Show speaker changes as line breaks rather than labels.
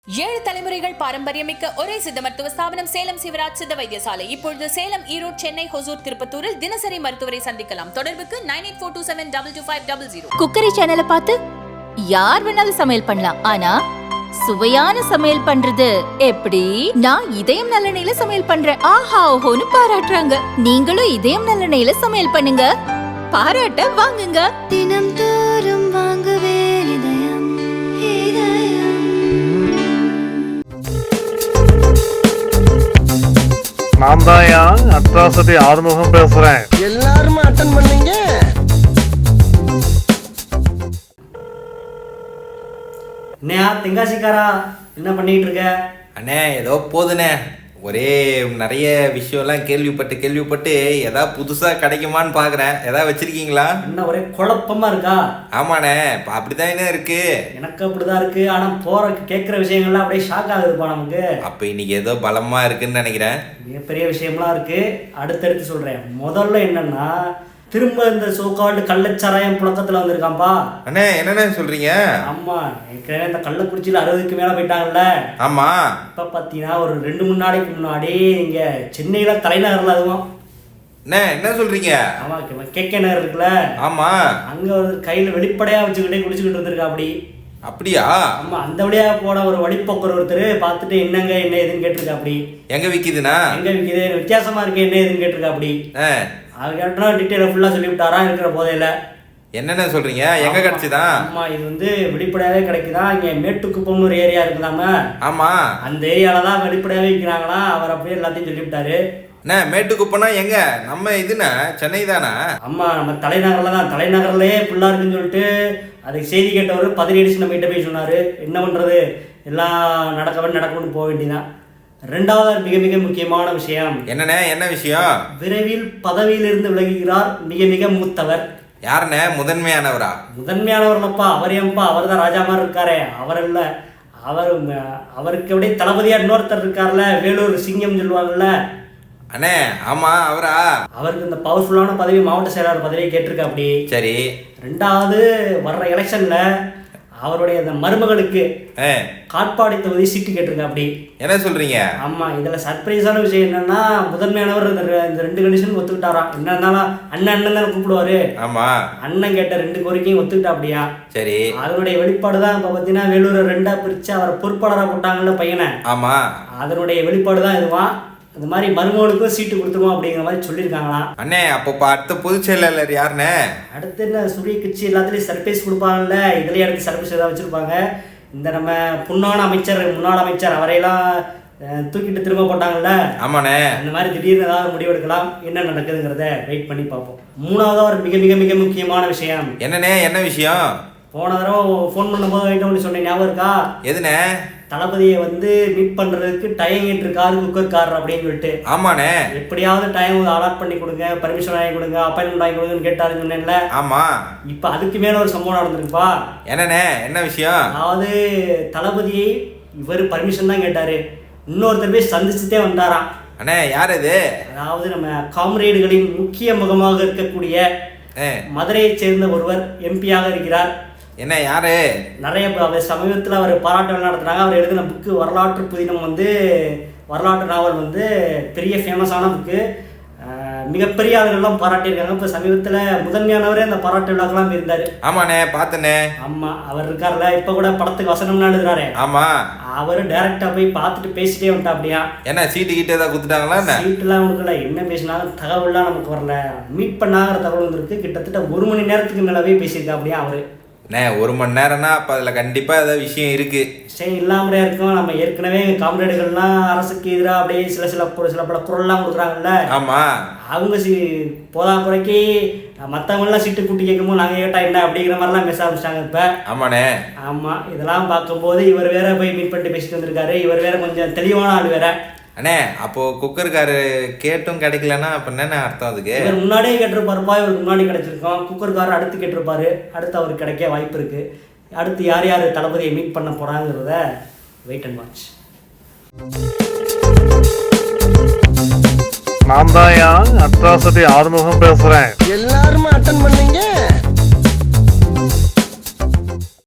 ஏழு தலைமுறைகள் பாரம்பரியமிக்க ஒரே சித்த மருத்துவ ஸ்தாபனம் சேலம் சிவராஜ் சித்த வைத்தியசாலை. இப்பொழுது சேலம், ஈரோடு, சென்னை, ஹொசூர், திருப்பத்தூரில் தினசரி மருத்துவரை சந்திக்கலாம். தொடர்புக்கு 9842722500.
குக்கரி சேனலை பார்த்து யார் வேணாலும் சமையல் பண்ணலாம். ஆனா சுவையான சமையல் பண்றது எப்படி? நான் இதயம் நல்லெண்ணெயில சமையல் பண்றேன். ஆஹா ஓஹோன்னு பாராட்டுறாங்க. நீங்களும் இதயம் நல்லெண்ணெயில சமையல் பண்ணுங்க, பாராட்ட வாங்குங்க.
தினம் தோறும் வாங்குவே இதயம் இதயம்.
நான் தான் அட்ராசிட்டி ஆறுமுகம் பேசுறேன்.
எல்லாரும் அட்டன் பண்ணீங்க.
என்னையா தெங்காசிக்காரா, என்ன பண்ணிட்டு இருக்க?
அண்ணே ஏதோ போதுண்ணே, ஒரே நிறைய விஷயம்லாம் கேள்விப்பட்டு எதாவது புதுசாக கிடைக்குமான்னு பார்க்குறேன். எதாவது வச்சுருக்கீங்களா?
என்ன ஒரே குழப்பமா இருக்கா?
ஆமாண்ணே, இப்போ அப்படிதான் என்ன இருக்கு.
எனக்கு அப்படிதான் இருக்கு. ஆனால் போற கேட்குற விஷயங்கள்லாம் அப்படியே ஷாக் ஆகுதுப்பா நமக்கு.
அப்போ இன்னைக்கு ஏதோ பலமாக இருக்குன்னு நினைக்கிறேன்.
மிகப்பெரிய விஷயம்லாம் இருக்கு, அடுத்தடுத்து சொல்றேன். முதல்ல என்னன்னா, திரும்ப இந்த சோக்கால்டு கள்ளச்சாராயம் புழக்கத்தில் வந்திருக்காம்பா.
அண்ணே என்னண்ணே சொல்கிறீங்க?
ஆமா, ஏற்கனவே இந்த கள்ளக்குறிச்சியில் 60க்கு மேலே போயிட்டாங்கல்ல.
ஆமாம்.
இப்போ பார்த்தீங்கன்னா ஒரு 2-3 நாளைக்கு முன்னாடி இங்கே சென்னையில் தலைநகரில் அதுவும்.
அண்ணே என்ன சொல்கிறீங்க?
ஆமாம், கேகே நகர் இருக்குல்ல.
ஆமாம்.
அங்கே ஒரு கையில் வெளிப்படையாக வச்சுக்கிட்டே குடிச்சுக்கிட்டு இருந்திருக்கா அப்படி.
அப்படியா?
ஆமா, அந்த வழியாக போன ஒரு வழிப்போக்கர் ஒருத்தர் பார்த்துட்டு என்ன ஏதுன்னு கேட்டிருக்கா அப்படி.
எங்கே விற்கிதுண்ணா?
எங்கே விற்கிது, வித்தியாசமா இருக்கு, என்ன ஏதுன்னு கேட்டிருக்கா அப்படி. அது கேட்டா டீட்டெயிலாக ஃபுல்லாக சொல்லிவிட்டாரா இருக்கிற போதையில.
என்னென்ன சொல்கிறீங்க? எங்கே கிடச்சிதான்?
ஆமா, இது வந்து வெளிப்படையாகவே கிடைக்குதா. இங்கே மேட்டுக்குப்பம்னு ஒரு ஏரியா இருக்குதாம.
ஆமாம்.
அந்த ஏரியாவில் தான் வெளிப்படையாகவே விற்கிறாங்களா. அவர் அப்படியே எல்லாத்தையும் சொல்லிவிட்டாரு.
அண்ணே மேட்டுக்குப்பம்னா எங்க? நம்ம இதுண்ணா சென்னை தானே?
ஆமா, நம்ம தலைநகரில் தான். தலைநகர்லேயே ஃபுல்லாக இருக்குன்னு சொல்லிட்டு அதுக்கு செய்தி கேட்டவர் பதினடிச்சு நம்ம கிட்ட போய் சொன்னார். என்ன பண்ணுறது, எல்லாம் நடக்கணும்னு போக வேண்டியதான். ரெண்டாவது மிக மிக முக்கியமான விஷயம்
என்னண்ணே? என்ன விஷயம்?
விரைவில் பதவியிலிருந்து விலகுகிறார் மிக மிக மூத்தவர்.
யாருண்ணே? முதன்மையானவரா?
முதன்மையானவர்லப்பா, அவர் ஏன்பா? அவர் தான் ராஜா மாதிரி இருக்காரே. அவர் இல்லை, அவருக்கு அப்படியே தளபதியா இன்னொருத்தர் இருக்கார்ல, வேலூர் சிங்கம் சொல்லுவாங்கல்ல.
அண்ணே ஆமா, அவரா? அவருக்கு
இந்த பவர்ஃபுல்லான பதவி, மாவட்ட செயலாளர் பதவியை கேட்டிருக்கா அப்படி.
சரி.
ரெண்டாவது வர்ற எலெக்ஷன்ல அவருடைய அந்த மருமகளுக்கு காட்பாடி தொகுதி சீட்டு கேட்டிருக்கா அப்படி.
என்ன சொல்றீங்க?
ஆமா, இதுல சர்ப்ரைஸான விஷயம் என்னன்னா, முதன்மையானவர் இந்த 2 கண்டிஷன் ஒத்துக்கிட்டாராம். என்ன இருந்தாலும் அண்ணன் தானே கூப்பிடுவாரு.
ஆமா, அண்ணன்
கேட்ட 2 கோரிக்கையும் ஒத்துக்கிட்டா அப்படியா.
சரி.
அதனுடைய வெளிப்பாடு தான் இப்ப பாத்தீங்கன்னா வேலூரை 2ஆ பிரிச்சு அவரை பொறுப்பாளராக போட்டாங்கல்ல பையனை.
ஆமா,
அதனுடைய வெளிப்பாடு தான் இதுவான். இந்த மாதிரி மருமகளுக்கும் சீட்டு கொடுத்துருவோம் அப்படிங்கிற மாதிரி சொல்லியிருக்காங்களாம்.
அண்ணே அப்போ அடுத்த பொதுச் செயலாளர் யாருண்ணே?
அடுத்து என்ன, சூரிய கட்சி எல்லாத்துலேயும் சர்ப்ரைஸ் கொடுப்பாங்கல்ல, இதுலேயே அடுத்து சர்ப்ரைஸ் ஏதாவது வச்சுருப்பாங்க. இந்த நம்ம முன்னாள் அமைச்சர் அவரையெல்லாம் தூக்கிட்டு திரும்ப போட்டாங்கல்ல.
ஆமாண்ணே. அந்த
மாதிரி திடீர்னு ஏதாவது முடிவெடுக்கலாம். என்ன நடக்குதுங்கிறத வெயிட் பண்ணி பார்ப்போம். மூணாவது ஒரு மிக மிக மிக முக்கியமான விஷயம்.
என்னண்ணே? என்ன விஷயம்?
போன தடவை ஃபோன் பண்ணும்போது வைட்டோம்னு சொன்னேன், ஞாபகம் இருக்கா?
எதுண்ணே? தளபதியை
மீட் பண்றதுக்கு டைம் கேட்டிருக்காரு குக்கர்காரர் அப்படின்னு சொல்லிட்டு.
ஆமாண்ணே.
எப்படியாவது டைம் அலாட் பண்ணி கொடுங்க, பர்மிஷன் வாங்கி கொடுங்க, அப்பாயின்மெண்ட் வாங்கி கொடுங்கன்னு கேட்டாருன்னு சொன்னேன்ல.
ஆமா.
இப்ப அதுக்கு மேல ஒரு சம்பவம் நடந்திருக்குப்பா.
என்னண்ணே? என்ன விஷயம்?
அதாவது தளபதியை இவர் பர்மிஷன் தான் கேட்டாரு, இன்னொருத்தர் போய் சந்திச்சுட்டே வந்தாராம்.
அண்ணே யார் இது?
அதாவது நம்ம காம்ரேடுகளின் முக்கிய முகமாக இருக்கக்கூடிய மதுரையை சேர்ந்த ஒருவர் எம்பியாக இருக்கிறார்.
என்ன யாரு?
நிறைய சமீபத்தில் அவர் பாராட்டு நடத்துனாங்க. அவர் எழுதின புக்கு வரலாற்று புதினம் வரலாற்று நாவல் பெரிய ஃபேமஸான புக்கு. மிகப்பெரிய ஆளுகள்லாம் பாராட்டியிருக்காங்க. இப்போ சமீபத்தில் முதன்மையானவரே அந்த பாராட்டு விழாக்கெல்லாம் இருந்தார்.
ஆமாண்ணே, பார்த்தண்ணே.
ஆமாம், அவர் இருக்கார்ல, இப்போ கூட படத்துக்கு வசனம்லாம் எழுதுறாரு.
ஆமாம்,
அவர் டைரக்டா போய் பார்த்துட்டு பேசிட்டே வந்துட்டா அப்படியா.
என்ன சீட்டு கிட்ட ஏதாவது கொடுத்துட்டாங்களா?
சீட்டுலாம் கொடுக்கல, என்ன பேசினாலும் தகவல்லாம் நமக்கு வரல. மீட் பண்ணாங்கிற தகவல் வந்துருக்கு. கிட்டத்தட்ட 1 மணி நேரத்துக்கு மேலவே பேசியிருக்கா அப்படியா அவரு.
1 மணி நேரம்னா அப்போ அதில் கண்டிப்பாக ஏதாவது விஷயம் இருக்குது.
சரி, இல்லாமலே இருக்கும். நம்ம ஏற்கனவே காம்ரேடுகள்லாம் அரசுக்கு எதிராக அப்படியே சில பல குரல்லாம் கொடுக்குறாங்கல்ல.
ஆமாம்.
அவங்க போதா குறைக்கு மற்றவங்களாம் சீட்டு கூட்டி கேட்கும்போது நாங்கள் கேட்டால் என்ன அப்படிங்கிற மாதிரிலாம் பேச ஆரம்பிச்சிட்டாங்க இப்போ.
ஆமாண்ணே.
ஆமாம், இதெல்லாம் பார்க்கும்போது இவர் வேற போய் மீட் பண்ணிட்டு பேசிட்டு வந்திருக்காரு. இவர் வேற கொஞ்சம் தெளிவான ஆள் வேற.
அண்ணே அப்போ குக்கர்காரு கேட்டும் கிடைக்கலன்னா அப்போ என்னென்ன அர்த்தம் அதுக்கு?
இவர் முன்னாடியே கேட்டிருப்பாருப்பா, இவருக்கு முன்னாடி கிடைச்சிருக்கோம். குக்கர்காரர் அடுத்து கேட்டிருப்பாரு, அடுத்து அவருக்கு கிடைக்க வாய்ப்பு இருக்கு. அடுத்து யார் யார் தளபதியை மீட் பண்ண போறாங்கிறத வெயிட் அண்ட் வாட்ச்.
நான் தான் அட்ராசிட்டி ஆறுமுகம் பேசுறேன்.
எல்லாரும் அட்டன் பண்ணீங்க.